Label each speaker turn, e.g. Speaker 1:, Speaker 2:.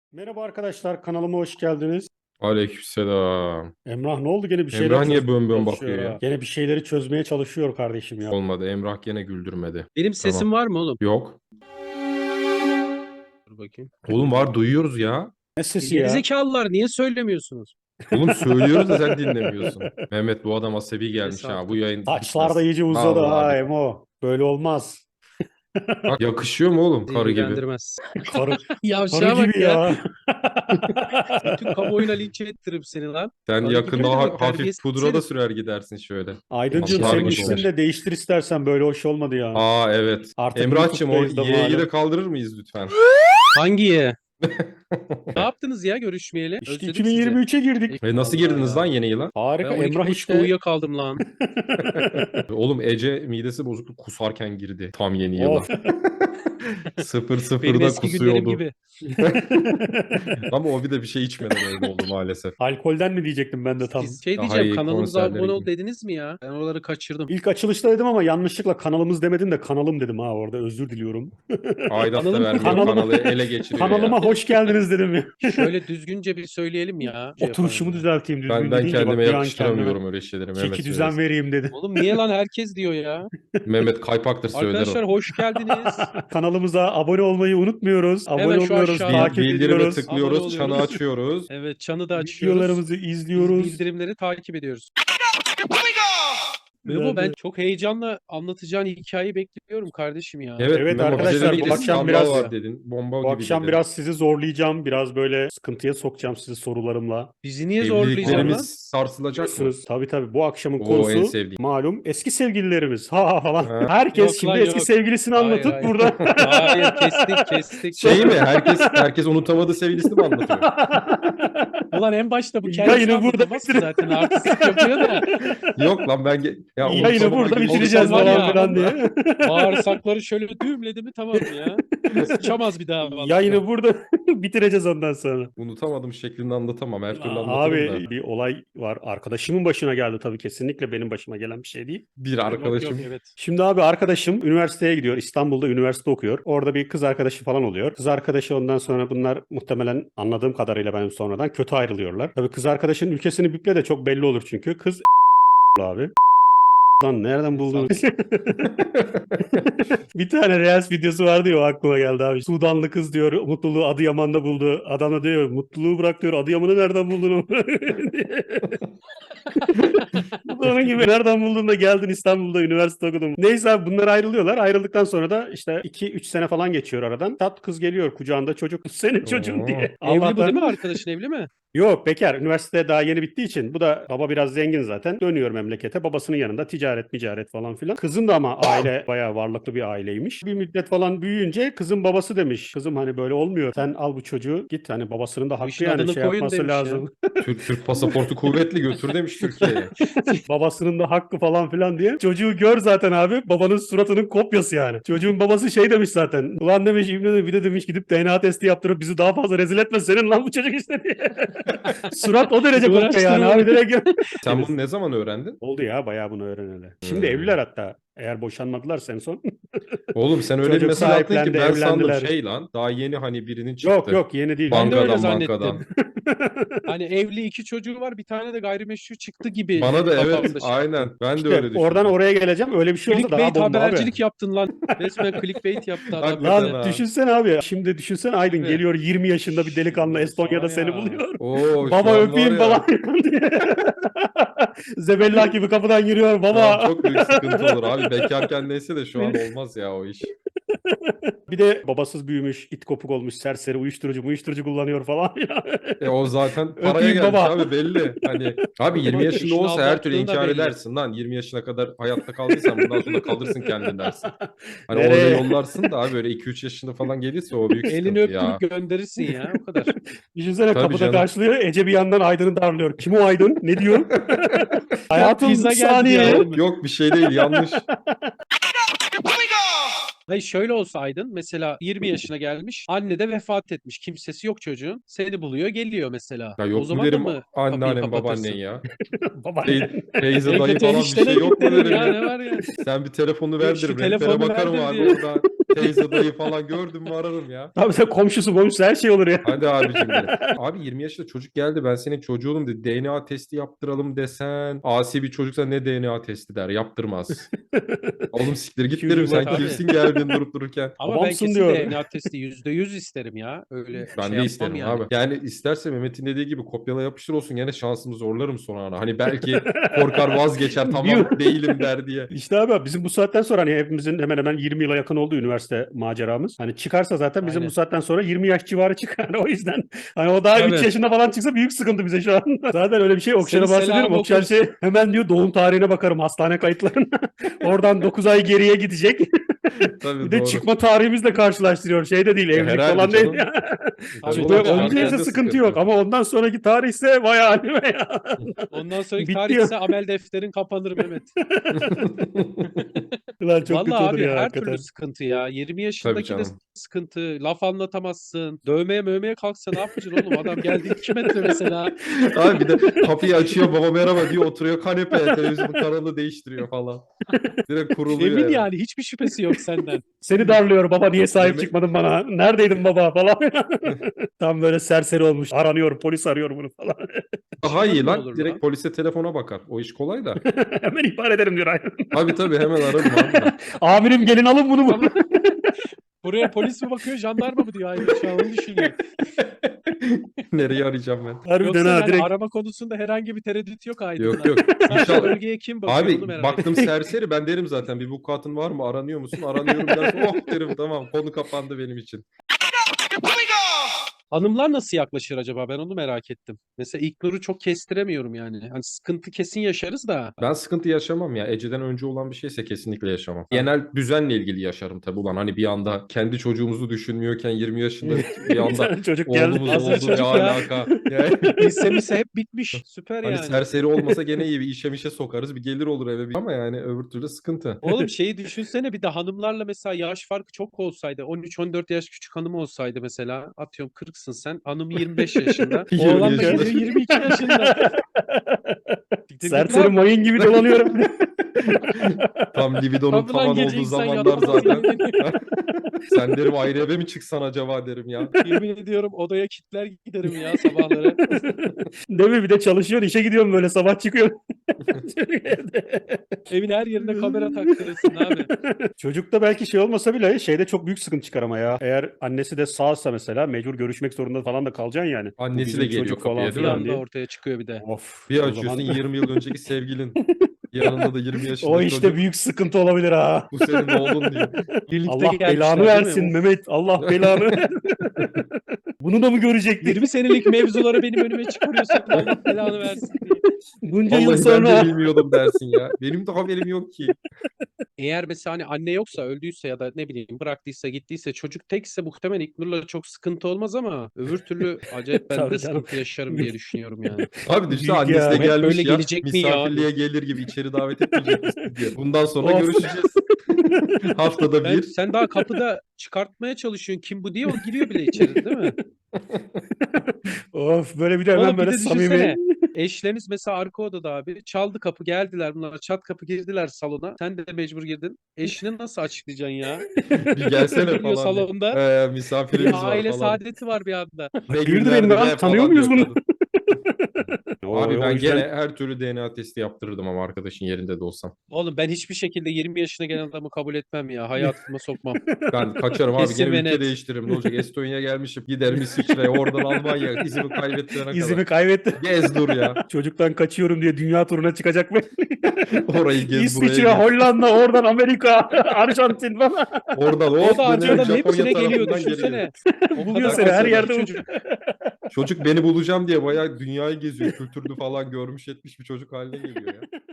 Speaker 1: Merhaba arkadaşlar, kanalıma hoş geldiniz.
Speaker 2: Aleykümselam.
Speaker 1: Emrah ne oldu? Gene bir şeyler
Speaker 2: Emrah niye
Speaker 1: çözmeye
Speaker 2: bön bön
Speaker 1: çalışıyor
Speaker 2: bakıyor
Speaker 1: ha.
Speaker 2: ya?
Speaker 1: Gene bir şeyleri çözmeye çalışıyor kardeşim ya.
Speaker 2: Olmadı. Emrah gene güldürmedi.
Speaker 3: Benim
Speaker 2: Tamam.
Speaker 3: sesim var mı oğlum?
Speaker 2: Yok.
Speaker 3: Dur bakayım.
Speaker 2: Oğlum var, duyuyoruz ya.
Speaker 1: Ne sesi ya?
Speaker 3: Gerizekalılar niye söylemiyorsunuz?
Speaker 2: Oğlum söylüyoruz da sen dinlemiyorsun. Mehmet, bu adam asabi gelmiş
Speaker 3: Neyse
Speaker 2: ha.
Speaker 3: artık.
Speaker 2: Bu yayın
Speaker 1: Saçlar da
Speaker 2: bitmez.
Speaker 1: iyice uzadı
Speaker 2: Vallahi
Speaker 1: ha
Speaker 2: bitmez.
Speaker 1: Emo. Böyle olmaz.
Speaker 2: Bak, yakışıyor mu oğlum
Speaker 3: Bizi
Speaker 2: karı gibi?
Speaker 3: ilgilendirmez.
Speaker 1: Karı, karı
Speaker 3: Yavşağa bak
Speaker 1: gibi
Speaker 3: ya.
Speaker 1: ya.
Speaker 3: Bütün kamuoyuna linç ettiririm seni lan.
Speaker 2: Sen
Speaker 3: Karı
Speaker 2: yakında
Speaker 3: gibi demek,
Speaker 2: hafif
Speaker 3: terbiyesiz
Speaker 2: pudra da
Speaker 3: herif.
Speaker 2: sürer gidersin şöyle.
Speaker 1: Aydıncığım
Speaker 2: Atlar
Speaker 1: senin
Speaker 2: gibi
Speaker 1: ismini
Speaker 2: olur.
Speaker 1: de değiştir istersen, böyle hoş olmadı ya.
Speaker 2: Aa evet.
Speaker 1: Artık
Speaker 2: Emrah'cığım o
Speaker 1: YouTube'dayız da
Speaker 2: Y'yi
Speaker 1: malum.
Speaker 2: de kaldırır mıyız lütfen?
Speaker 3: Hangiye? Ne yaptınız ya görüşmeyeli?
Speaker 1: İşte
Speaker 3: Özledim sizi.
Speaker 1: 2023'e girdik.
Speaker 2: Ve nasıl
Speaker 3: Allah
Speaker 2: girdiniz
Speaker 3: ya.
Speaker 2: lan yeni yıla?
Speaker 1: Harika.
Speaker 3: Ben
Speaker 1: Emrah
Speaker 3: 12.30'da
Speaker 1: işte
Speaker 3: uyuyakaldım lan.
Speaker 2: Oğlum Ece midesi bozuktu, kusarken girdi tam yeni yıla.
Speaker 1: of.
Speaker 2: 0-0'da
Speaker 3: Benim eski günlerim
Speaker 2: kusuyordu.
Speaker 3: gibi.
Speaker 2: Ama o bir de bir şey içmeden öyle oldu maalesef.
Speaker 1: Alkolden mi diyecektim ben de tam.
Speaker 3: Siz şey
Speaker 2: Daha
Speaker 3: diyeceğim,
Speaker 2: iyi
Speaker 3: kanalımıza
Speaker 2: konserlere
Speaker 3: abone ol
Speaker 2: gidin.
Speaker 3: dediniz mi ya? Ben oraları kaçırdım.
Speaker 1: İlk açılışta dedim ama yanlışlıkla kanalımız demedim de kanalım dedim ha, orada özür diliyorum.
Speaker 2: Aidat da
Speaker 3: Kanalım-
Speaker 2: vermiyor,
Speaker 1: Kanalım-
Speaker 2: kanalı ele geçiriyor
Speaker 1: Kanalıma
Speaker 2: ya.
Speaker 1: hoş geldiniz dedim ya.
Speaker 3: Şöyle düzgünce bir söyleyelim ya. Şey
Speaker 1: Oturuşumu
Speaker 3: yapalım ya.
Speaker 1: düzelteyim düzgün
Speaker 2: Ben
Speaker 1: deyince
Speaker 2: kendime
Speaker 1: bak bir an
Speaker 2: yakıştıramıyorum
Speaker 1: kendime
Speaker 2: öyle şeyleri.
Speaker 1: çeki
Speaker 2: Mehmet
Speaker 1: düzen
Speaker 2: söylesin.
Speaker 1: vereyim dedim.
Speaker 3: Oğlum niye lan herkes diyor ya?
Speaker 2: Mehmet kaypaktır, söyler
Speaker 3: Arkadaşlar
Speaker 2: o.
Speaker 3: hoş geldiniz.
Speaker 1: Kanalımıza abone olmayı unutmuyoruz. Abone
Speaker 3: Hemen şu
Speaker 1: oluyoruz,
Speaker 3: aşağıdan
Speaker 1: takip
Speaker 2: Bildirime
Speaker 1: ediyoruz.
Speaker 3: Abone
Speaker 2: tıklıyoruz, çanı
Speaker 3: oluyoruz.
Speaker 2: açıyoruz.
Speaker 3: Evet, çanı da açıyoruz.
Speaker 1: Videolarımızı izliyoruz.
Speaker 3: Bildirimleri takip ediyoruz.
Speaker 1: Güzel
Speaker 3: Memo, ben
Speaker 1: de.
Speaker 3: çok heyecanla anlatacağın hikayeyi bekliyorum kardeşim ya.
Speaker 2: Evet,
Speaker 1: Evet
Speaker 2: Memo,
Speaker 1: arkadaşlar,
Speaker 2: bize
Speaker 1: bu
Speaker 2: bir
Speaker 1: akşam
Speaker 2: skandal
Speaker 1: biraz-
Speaker 2: var dedin. Bomba
Speaker 1: Bu
Speaker 2: gibi
Speaker 1: akşam
Speaker 2: dedin.
Speaker 1: biraz sizi zorlayacağım. Biraz böyle sıkıntıya sokacağım sizi sorularımla.
Speaker 3: Bizi niye zorlayacağım lan?
Speaker 2: Evliliklerimiz sarsılacak mı?
Speaker 1: Biliyorsunuz tabii bu akşamın
Speaker 2: Oo, en
Speaker 1: konusu
Speaker 2: sevdiğim.
Speaker 1: malum eski sevgililerimiz. Ha ha falan.
Speaker 2: Ha.
Speaker 1: Herkes
Speaker 3: Yok
Speaker 1: şimdi
Speaker 3: lan,
Speaker 1: eski
Speaker 3: yok.
Speaker 1: sevgilisini
Speaker 3: Hayır,
Speaker 1: anlatıp
Speaker 3: hayır.
Speaker 1: burada.
Speaker 3: Hayır, kestik.
Speaker 2: Şey mi? Herkes unutamadığı sevgilisini mi anlatıyor?
Speaker 3: Ulan en başta bu kendisi
Speaker 1: Yayını burada
Speaker 3: anlatamaz ki
Speaker 1: bitirin.
Speaker 3: zaten, artistik yapıyor da.
Speaker 2: Yok lan ben... Ya,
Speaker 1: Yayını
Speaker 2: unutamama
Speaker 1: burada
Speaker 2: gibi bir şey
Speaker 1: bitireceğiz
Speaker 3: var
Speaker 1: falan
Speaker 3: ya.
Speaker 1: filan diye.
Speaker 3: Bağırsakları şöyle düğümledi mi tamam ya. Sıçamaz bir daha. vallahi.
Speaker 1: Yayını burada bitireceğiz ondan sonra.
Speaker 2: Unutamadım şeklinde anlatamam. Her türlü anlatırım
Speaker 1: Abi
Speaker 2: da.
Speaker 1: bir olay var. Arkadaşımın başına geldi tabii, kesinlikle benim başıma gelen bir şey değil.
Speaker 2: Bir
Speaker 3: Yok,
Speaker 2: arkadaşım.
Speaker 3: evet.
Speaker 1: Şimdi abi arkadaşım üniversiteye gidiyor. İstanbul'da üniversite okuyor. Orada bir kız arkadaşı falan oluyor. Kız arkadaşı ondan sonra bunlar muhtemelen anladığım kadarıyla benim sonradan kötü ayrılıyorlar. Tabii kız arkadaşının ülkesini biple de çok belli olur çünkü. Kız abi. Lan nereden buldun? Bir tane Reels videosu vardı ya, o aklıma geldi abi. Sudanlı kız diyor mutluluğu Adıyaman'da buldu. Adam da diyor mutluluğu bırak diyor, Adıyaman'ı nereden buldun? Bu da onun gibi, nereden buldun da geldin İstanbul'da üniversite okudun. Neyse abi bunlar ayrılıyorlar. Ayrıldıktan sonra da işte 2-3 sene falan geçiyor aradan. Tat kız geliyor kucağında çocuk. Senin çocuğun diye.
Speaker 3: Evli bu
Speaker 1: Allah'tan-
Speaker 3: değil mi, arkadaşın evli mi?
Speaker 1: Yok, bekar. Üniversite daha yeni bittiği için. Bu da baba biraz zengin zaten. Dönüyor memlekete. Babasının yanında ticaret falan filan. Kızın da ama aile bayağı varlıklı bir aileymiş. Bir müddet falan büyüyünce kızın babası demiş. Kızım hani böyle olmuyor. Sen al bu çocuğu git. Hani babasının da
Speaker 3: Bu
Speaker 1: hakkı
Speaker 3: işin
Speaker 1: yani
Speaker 3: adını
Speaker 1: şey
Speaker 3: koyun
Speaker 1: yapması
Speaker 3: demiş ya.
Speaker 1: lazım.
Speaker 2: Türk pasaportu kuvvetli, götür demiş Türkiye'ye.
Speaker 1: Babasının da hakkı falan filan diye. Çocuğu gör zaten abi. Babanın suratının kopyası yani. Çocuğun babası şey demiş zaten. Ulan demiş İbni de bir de demiş gidip DNA testi yaptırıp bizi daha fazla rezil etme senin lan bu çocuk işte diye. Surat o derece kopya yani abi direkt.
Speaker 2: Sen bunu ne zaman öğrendin?
Speaker 1: Oldu ya bayağı bunu öğreneli. Şimdi evliler hatta. Eğer boşanmadılarsa en son.
Speaker 2: Oğlum sen öyle bir
Speaker 1: Çocuk
Speaker 2: mesaj attın ki
Speaker 1: sahiplendi,
Speaker 2: ben sandım
Speaker 1: evlendiler.
Speaker 2: şey lan. Daha yeni hani birinin çıktı.
Speaker 1: Yok yeni değil.
Speaker 3: Ben de öyle
Speaker 2: Bankadan
Speaker 3: zannettim.
Speaker 2: bankadan.
Speaker 3: Hani evli 2 çocuğu var, bir tane de gayrimeşru çıktı gibi.
Speaker 2: Bana da evet
Speaker 3: kafamda şey.
Speaker 2: aynen. Ben de
Speaker 1: İşte
Speaker 2: öyle düşündüm.
Speaker 1: oradan oraya geleceğim. Öyle bir şey olsa daha
Speaker 3: Clickbait
Speaker 1: bomba abi.
Speaker 3: habercilik yaptın lan. Resmen clickbait yaptı adam.
Speaker 2: Hakikaten
Speaker 1: Lan
Speaker 2: ha.
Speaker 1: düşünsene abi. Şimdi düşünsene Aydın
Speaker 3: Abi.
Speaker 1: geliyor 20 yaşında bir delikanlı Estonya'da
Speaker 3: Var
Speaker 1: seni
Speaker 3: ya.
Speaker 1: buluyor.
Speaker 2: Oo, şu
Speaker 1: Baba
Speaker 2: an
Speaker 1: öpeyim
Speaker 2: var ya,
Speaker 1: falan diye. Zebellah gibi kapıdan giriyor
Speaker 2: şu
Speaker 1: baba.
Speaker 2: an çok büyük sıkıntı olur abi. Bekarken neyse de şu an olmaz ya o iş.
Speaker 1: Bir de babasız büyümüş, it kopuk olmuş, serseri, uyuşturucu kullanıyor falan ya.
Speaker 2: O zaten paraya
Speaker 1: Öpeyim
Speaker 2: gelmiş
Speaker 1: baba.
Speaker 2: abi belli. Hani abi 20
Speaker 3: Baba,
Speaker 2: yaşında
Speaker 3: işini
Speaker 2: olsa her türlü
Speaker 3: aldattığın da
Speaker 2: inkar
Speaker 3: belli.
Speaker 2: edersin lan. 20 yaşına kadar hayatta kaldıysan bundan sonra kalırsın kendin dersin. Hani
Speaker 1: Nereye?
Speaker 2: orada yollarsın da abi böyle 2-3 yaşında falan gelirse o büyük
Speaker 3: Elini
Speaker 2: sıkıntı ya.
Speaker 3: öptürüp gönderirsin ya, o kadar.
Speaker 1: Düşünsene
Speaker 2: Tabii
Speaker 1: kapıda
Speaker 2: canım.
Speaker 1: karşılıyor. Ece bir yandan Aydın'ı darlıyor. Kim o Aydın? Ne diyor? Hayatım
Speaker 3: pizza geldi
Speaker 1: saniye.
Speaker 3: ya.
Speaker 2: Yok bir şey değil, yanlış.
Speaker 3: Hayır, şöyle olsaydın mesela 20 yaşına gelmiş, anne de vefat etmiş, kimsesi yok çocuğun, seni buluyor geliyor mesela.
Speaker 2: Ya
Speaker 3: O
Speaker 2: yok mu
Speaker 3: zaman da
Speaker 2: derim
Speaker 3: mı kapıyı
Speaker 2: anneannem
Speaker 3: kapatırsın?
Speaker 2: babaannen ya.
Speaker 1: Baba.
Speaker 2: Teyze dayı
Speaker 3: Evde
Speaker 2: falan bir
Speaker 3: eniştene
Speaker 2: şey yok mu
Speaker 3: git derim
Speaker 2: derim
Speaker 3: ya,
Speaker 2: ya.
Speaker 3: ne var ya.
Speaker 2: Sen bir telefonu
Speaker 3: Şu
Speaker 2: ver derim.
Speaker 3: telefonu
Speaker 2: Rehbere bakarım
Speaker 3: verdir
Speaker 2: abi
Speaker 3: diye.
Speaker 2: orada. Teyze dayı falan gördüm mü ararım ya.
Speaker 1: Abi sen komşusu her şey olur ya.
Speaker 2: Hadi abicim benim. Abi 20 yaşında çocuk geldi, ben senin çocuğunum dedi. DNA testi yaptıralım desen. Asi bir çocuksa ne DNA testi der, yaptırmaz. Oğlum siktir git derim, sen
Speaker 3: Tabii.
Speaker 2: kimsin geldin durup dururken.
Speaker 3: Ama ben
Speaker 1: Babamsın
Speaker 3: kesin
Speaker 1: diyor.
Speaker 3: DNA testi %100 isterim ya. Öyle
Speaker 2: Ben
Speaker 3: şey
Speaker 2: de
Speaker 3: yapmam
Speaker 2: isterim
Speaker 3: yani.
Speaker 2: abi. Yani isterse Mehmet'in dediği gibi kopyala yapıştır olsun, gene şansımı zorlarım sonra ana. Hani belki korkar vazgeçer, tamam değilim der diye.
Speaker 1: İşte abi bizim bu saatten sonra hani hepimizin hemen hemen 20 yıla yakın oldu üniversite maceramız. Hani çıkarsa zaten bizim
Speaker 3: Aynen.
Speaker 1: bu saatten sonra 20 yaş civarı çıkar. O yüzden hani o daha 3
Speaker 3: Tabii.
Speaker 1: yaşında falan çıksa büyük sıkıntı bize şu an. Zaten öyle bir şey Okşan'a
Speaker 3: Senin
Speaker 1: bahsediyorum.
Speaker 3: selamı
Speaker 1: Okşan
Speaker 3: okuruz.
Speaker 1: şey hemen diyor doğum tarihine bakarım hastane kayıtlarına. Oradan 9 ay geriye gidecek.
Speaker 2: Tabii
Speaker 1: Bir de
Speaker 2: doğru.
Speaker 1: çıkma tarihimizle karşılaştırıyor. Şey de değil evlilik
Speaker 2: herhalde
Speaker 1: falan değil.
Speaker 2: canım.
Speaker 1: Ya.
Speaker 3: Tabii,
Speaker 1: Çıkmaya
Speaker 3: tabii.
Speaker 1: önceyse
Speaker 2: Herkeste
Speaker 1: sıkıntı
Speaker 2: sıkıntı.
Speaker 1: yok ama ondan sonraki tarihse vay halime ya.
Speaker 3: Ondan sonraki
Speaker 1: Bitti
Speaker 3: tarih
Speaker 1: ya.
Speaker 3: ise amel defterin kapanır Mehmet.
Speaker 1: Ulan çok kötü
Speaker 3: Vallahi
Speaker 1: olur
Speaker 3: abi
Speaker 1: ya
Speaker 3: her
Speaker 1: hakikaten.
Speaker 3: türlü sıkıntı ya. 20
Speaker 2: Tabii
Speaker 3: yaşındaki de
Speaker 2: canım.
Speaker 3: sıkıntı. Laf anlatamazsın. Dövmeye mövmeye kalksa ne yapacaksın oğlum? Adam geldi 2 metre mesela.
Speaker 2: Abi bir de kapıyı açıyor, baba merhaba diyor, oturuyor kanepeye, televizyonun kanalını değiştiriyor falan. Direkt kuruluyor
Speaker 3: Emin
Speaker 2: eve.
Speaker 3: yani hiçbir şüphesi yok senden.
Speaker 1: Seni darlıyor baba niye sahip
Speaker 2: Mehmet-
Speaker 1: çıkmadın bana? Neredeydin baba falan. Tam böyle serseri olmuş. Aranıyor polis arıyor bunu falan.
Speaker 2: Daha iyi
Speaker 3: Çıkmadı ne
Speaker 2: lan.
Speaker 3: olur
Speaker 2: Direkt
Speaker 3: lan?
Speaker 2: polise telefona bakar. O iş kolay da.
Speaker 1: Hemen ihbar ederim diyor. Aynen.
Speaker 2: Tabii hemen ararım abi ben.
Speaker 1: Amirim gelin alın bunu mu?
Speaker 3: Ama buraya polis mi bakıyor, jandarma mı diyor ayrı şu an onu düşünüyor.
Speaker 2: Nereye arayacağım ben?
Speaker 1: Harbiden
Speaker 3: Yoksa
Speaker 1: ha
Speaker 3: yani
Speaker 1: direkt.
Speaker 3: arama konusunda herhangi bir tereddüt yok Aydın'da.
Speaker 2: Yok.
Speaker 3: Sadece
Speaker 2: İnşallah.
Speaker 3: bölgeye kim bakıyor onu
Speaker 2: Abi
Speaker 3: merak
Speaker 2: baktım
Speaker 3: ettim.
Speaker 2: serseri, ben derim zaten bir vukuatın var mı, aranıyor musun? Aranıyorum dersin, oh derim, tamam konu kapandı benim için.
Speaker 3: Hanımlar nasıl yaklaşır acaba? Ben onu merak ettim. Mesela İlknur'u çok kestiremiyorum yani. Hani sıkıntı kesin yaşarız da.
Speaker 2: Ben sıkıntı yaşamam ya. Ece'den önce olan bir şeyse kesinlikle yaşamam. Genel düzenle ilgili yaşarım tabii ulan. Hani bir anda kendi çocuğumuzu düşünmüyorken 20 yaşında bir
Speaker 1: Bir
Speaker 2: anda
Speaker 1: tane çocuk geldi.
Speaker 2: oğlumuz
Speaker 3: Hazır
Speaker 2: oldu ne
Speaker 3: çocuk ya.
Speaker 2: alaka? Yani,
Speaker 3: Lise hep bitmiş. Süper
Speaker 2: hani
Speaker 3: yani.
Speaker 2: serseri olmasa gene iyi, bir işe sokarız, bir gelir olur eve. Ama yani öbür türlü sıkıntı.
Speaker 3: Oğlum şeyi düşünsene bir de hanımlarla mesela yaş farkı çok olsaydı. 13-14 yaş küçük hanım olsaydı mesela. Atıyorum 40'sın sen. Hanım 25 yaşında.
Speaker 2: 20
Speaker 3: Oğlan da
Speaker 2: yaşında.
Speaker 3: geliyor 22 yaşında.
Speaker 1: Serseri mayın gibi dolanıyorum.
Speaker 2: Tam libidonun
Speaker 3: Tabii lan
Speaker 2: tavan
Speaker 3: gece
Speaker 2: olduğu
Speaker 3: insan
Speaker 2: zamanlar
Speaker 3: yatamaz
Speaker 2: zaten.
Speaker 3: yani.
Speaker 2: Sen derim ayrı eve mi çıksan acaba derim ya.
Speaker 3: Yemin ediyorum odaya kilitler giderim ya sabahları.
Speaker 1: Değil mi? Bir de çalışıyor işe gidiyorum böyle sabah çıkıyor.
Speaker 3: Evin her yerine kamera taktırırsın abi.
Speaker 1: Çocukta belki şey olmasa bile şeyde çok büyük sıkıntı çıkar ama ya. Eğer annesi de sağsa mesela mecbur görüşmek zorunda falan da kalacaksın yani. Bu
Speaker 2: Annesi
Speaker 1: bizim
Speaker 2: de geliyor
Speaker 1: çocuk
Speaker 2: kapıya,
Speaker 1: falan
Speaker 2: değil
Speaker 3: Bir
Speaker 2: mi?
Speaker 1: filan
Speaker 3: anda
Speaker 1: diye.
Speaker 3: ortaya çıkıyor bir de.
Speaker 1: Of.
Speaker 2: Bir
Speaker 1: o
Speaker 2: açıyorsun
Speaker 1: zaman
Speaker 2: 20 yıl önceki sevgilin. Yanında da 20 yaşında
Speaker 1: o işte
Speaker 2: çocuk.
Speaker 1: büyük sıkıntı olabilir ha.
Speaker 2: Bu senin oğlun diyor.
Speaker 3: Birlikte
Speaker 1: Allah
Speaker 3: gelmişler
Speaker 1: belanı
Speaker 3: değil mi?
Speaker 1: versin
Speaker 3: Of.
Speaker 1: Mehmet. Allah belanı versin. Bunu da mı görecektik?
Speaker 3: 20 senelik mevzuları benim önüme çıkarıyorsun. Allah belanı versin diye.
Speaker 1: Bunca yıl
Speaker 2: Vallahi ben de
Speaker 1: sonra.
Speaker 2: bilmiyordum dersin ya. Benim de haberim yok ki.
Speaker 3: Eğer mesela hani anne yoksa öldüyse ya da ne bileyim bıraktıysa gittiyse çocuk tekse muhtemelen İlknur'la çok sıkıntı olmaz ama öbür türlü acayip ben
Speaker 1: Tabii
Speaker 3: de
Speaker 1: canım.
Speaker 3: sıkıntı yaşarım diye düşünüyorum yani.
Speaker 2: Abi düşünsene
Speaker 1: Büyük
Speaker 2: annesi
Speaker 1: ya.
Speaker 2: de
Speaker 1: Hep
Speaker 2: gelmiş
Speaker 3: böyle
Speaker 2: ya.
Speaker 3: gelecek mi ya
Speaker 2: Misafirliğe gelir gibi içeri davet etmeyecek misin diye. Bundan sonra
Speaker 1: Of.
Speaker 2: görüşeceğiz. Haftada bir.
Speaker 3: Sen daha kapıda çıkartmaya çalışıyorsun kim bu diye o giriyor bile içeri değil mi?
Speaker 1: Of böyle bir de hemen
Speaker 3: Oğlum bir
Speaker 1: böyle
Speaker 3: de
Speaker 1: samimi.
Speaker 3: düşünsene. Eşleriniz mesela arka odada abi. Çaldı kapı geldiler bunlar. Çat kapı girdiler salona. Sen de mecbur girdin. Eşini nasıl açıklayacaksın ya?
Speaker 2: Bir gelsene
Speaker 3: Geliyor
Speaker 2: falan diye.
Speaker 3: salonda.
Speaker 2: Misafirimiz
Speaker 3: Bir
Speaker 2: var
Speaker 3: aile
Speaker 2: falan.
Speaker 3: saadeti var bir anda.
Speaker 2: Ne
Speaker 1: Hayırdır benim
Speaker 2: günlerdi
Speaker 1: lan?
Speaker 2: be
Speaker 1: Tanıyor
Speaker 2: falan
Speaker 1: muyuz
Speaker 2: diyor
Speaker 1: bunu?
Speaker 2: kadın.
Speaker 1: O
Speaker 2: Abi ben
Speaker 1: yüzden-
Speaker 2: gene her türlü DNA testi yaptırırdım ama arkadaşın yerinde de olsam.
Speaker 3: Oğlum ben hiçbir şekilde 20 yaşına gelen adamı kabul etmem ya. Hayatıma sokmam.
Speaker 2: Ben kaçarım abi,
Speaker 3: Kesin
Speaker 2: gene
Speaker 3: ve
Speaker 2: ülke
Speaker 3: net.
Speaker 2: değiştiririm. Ne olacak? Estonya'ya gelmişim. Giderim İsviçre'ye, oradan Almanya. İzimi kaybettirene
Speaker 1: İzimi
Speaker 2: kadar.
Speaker 1: kaybetti.
Speaker 2: Gez dur ya.
Speaker 1: Çocuktan kaçıyorum diye dünya turuna çıkacak mı?
Speaker 2: Orayı gez, burayı
Speaker 1: İsviçre,
Speaker 2: gez.
Speaker 1: Hollanda, oradan Amerika, Arjantin falan.
Speaker 2: Oradan
Speaker 3: O
Speaker 2: hop
Speaker 3: da
Speaker 2: dönerim
Speaker 3: harcadan
Speaker 2: Japonya
Speaker 3: hepsine geliyor
Speaker 2: tarafından geri gelir.
Speaker 3: düşünsene. O
Speaker 1: Buluyor
Speaker 3: kadar
Speaker 1: seni her
Speaker 3: akıllı
Speaker 1: yerde.
Speaker 3: ki çocuk.
Speaker 2: Çocuk beni bulacağım diye bayağı dünyayı geziyor. Kültürlü falan görmüş etmiş bir çocuk haline geliyor ya.